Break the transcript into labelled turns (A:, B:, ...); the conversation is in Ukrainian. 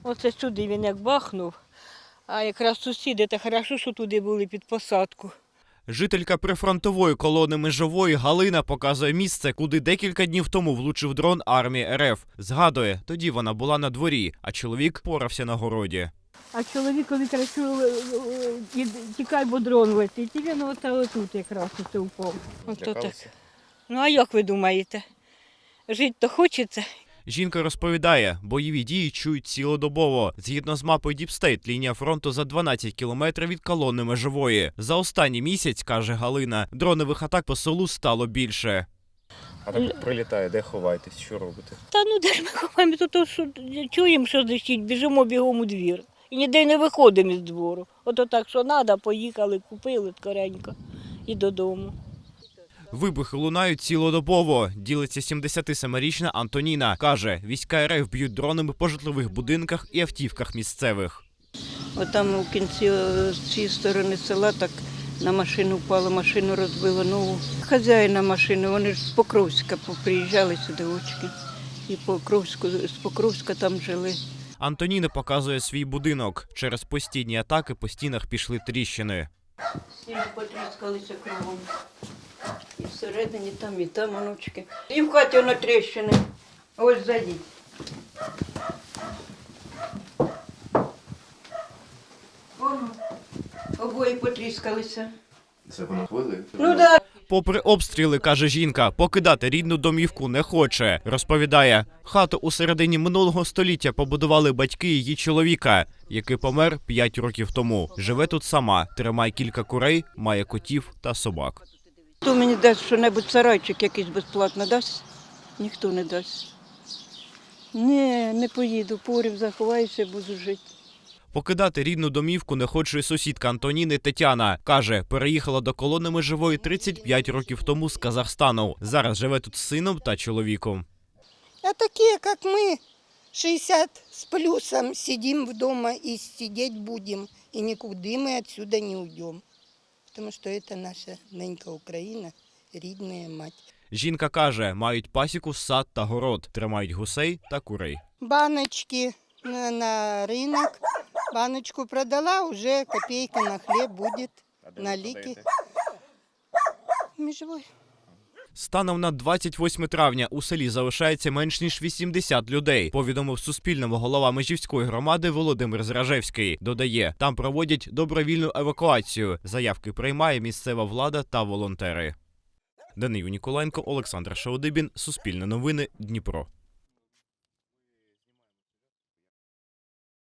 A: Оце сюди він як бахнув, а якраз сусіди, та хорошо, що туди були під посадку.
B: Жителька прифронтової колони Межової Галина показує місце, куди декілька днів тому влучив дрон армії РФ. Згадує, тоді вона була на дворі, а чоловік порався на городі.
A: А чоловікові кричу, тікай, бо дрон летить. І він отут якраз оце упав. Ото так. Ну а як ви думаєте? Жити то хочеться.
B: Жінка розповідає, бойові дії чують цілодобово. Згідно з мапою Діпстейт, лінія фронту за 12 кілометрів від колони Межової. За останній місяць, каже Галина, дронових атак по селу стало більше.
C: А так прилітає, де ховаєтесь, що робите?
A: Та ну де ж ми ховаємо, то що чуємо, що дощить, біжимо бігом у двір. І ніде не виходимо із двору. Ото так, що треба, поїхали, купили скоренько і додому.
B: Вибухи лунають цілодобово, ділиться 77-річна Антоніна. Каже, війська РФ б'ють дронами по житлових будинках і автівках місцевих.
A: Отам у кінці з цієї сторони села так на машину впало, машину розбило нову. Хазяїна машини, вони ж з Покровська приїжджали сюди очки. І з Покровська там жили.
B: Антоніна показує свій будинок. Через постійні атаки по стінах пішли тріщини.
A: Стіни потріскалися кругом. І всередині там, онучки. І в хаті воно тріщини. Ось зайдіть. Воно, обоє потріскалися.
C: Це воно хвили?
A: Ну да.
B: Попри обстріли, каже жінка, покидати рідну домівку не хоче. Розповідає, хату у середині минулого століття побудували батьки її чоловіка, який помер 5 років тому. Живе тут сама, тримає кілька курей, має котів та собак.
A: Хто мені дасть що-небудь, сарайчик якийсь безплатно дасть? Ніхто не дасть. Ні, не поїду, порів заховаюся, буду жити.
B: Покидати рідну домівку не хоче і сусідка Антоніни Тетяна. Каже, переїхала до колони Межової 35 років тому з Казахстану. Зараз живе тут з сином та чоловіком.
D: А такие, как мы, 60 с плюсом, сидим дома и сидеть будем. И никуда мы отсюда не уйдем. Потому что это наша ненька Украина, рідная мать.
B: Жінка каже, мають пасіку, сад та город, тримають гусей та курей.
D: Баночки на рынок. Баночку продала, уже копейка на хлеб будет, на лики. Межевой.
B: Станом на 28 травня у селі залишається менш ніж 80 людей, повідомив Суспільному голова Межівської громади Володимир Зражевський. Додає, там проводять добровільну евакуацію. Заявки приймає місцева влада та волонтери. Данило Ніколаєнко, Олександр Шаудибін, Суспільне новини, Дніпро.